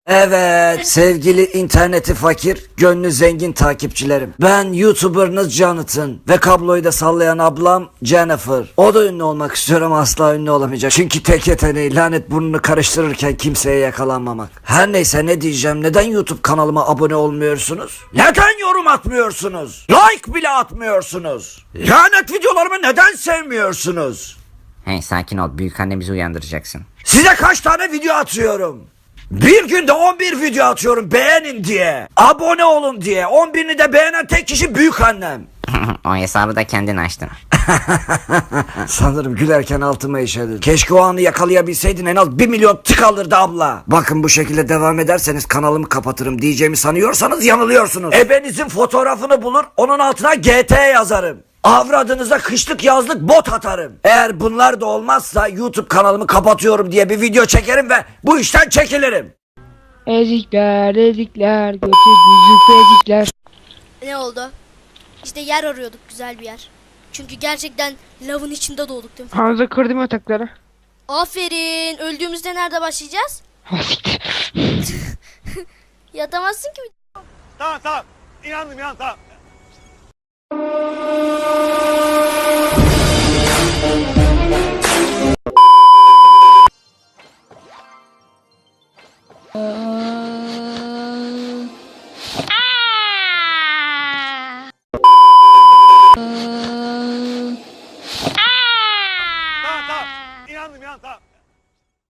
Evet sevgili interneti fakir, gönlü zengin takipçilerim. Ben YouTuber'ınız Jonathan ve kabloyu da sallayan ablam Jennifer. O da ünlü olmak istiyorum, asla ünlü olamayacak. Çünkü tek yeteneği lanet burnunu karıştırırken kimseye yakalanmamak. Her neyse ne diyeceğim, neden YouTube kanalıma abone olmuyorsunuz? Neden yorum atmıyorsunuz? Like bile atmıyorsunuz? Lanet videolarımı neden sevmiyorsunuz? Hey sakin ol, büyük annemizi uyandıracaksın. Size kaç tane video atıyorum? Bir günde 11 video atıyorum beğenin diye. Abone olun diye. 11'ini de beğenen tek kişi büyük annem. O hesabı da kendin açtın. Sanırım gülerken altıma işedin. Keşke o anı yakalayabilseydin, en az 1 milyon tık alırdı abla. Bakın bu şekilde devam ederseniz kanalımı kapatırım diyeceğimi sanıyorsanız yanılıyorsunuz. Ebenizin fotoğrafını bulur, onun altına GT yazarım. Avradınıza kışlık yazlık bot atarım. Eğer bunlar da olmazsa YouTube kanalımı kapatıyorum diye bir video çekerim ve bu işten çekilirim. Ezikler götür ezikler. Ne oldu? İşte yer arıyorduk, güzel bir yer. Çünkü gerçekten lavın içinde doğduk değil mi? Hamza kırdım yatakları. Aferin. Öldüğümüzde nerede başlayacağız? Siktir. Yatamazsın ki. Tamam. İnandım tamam.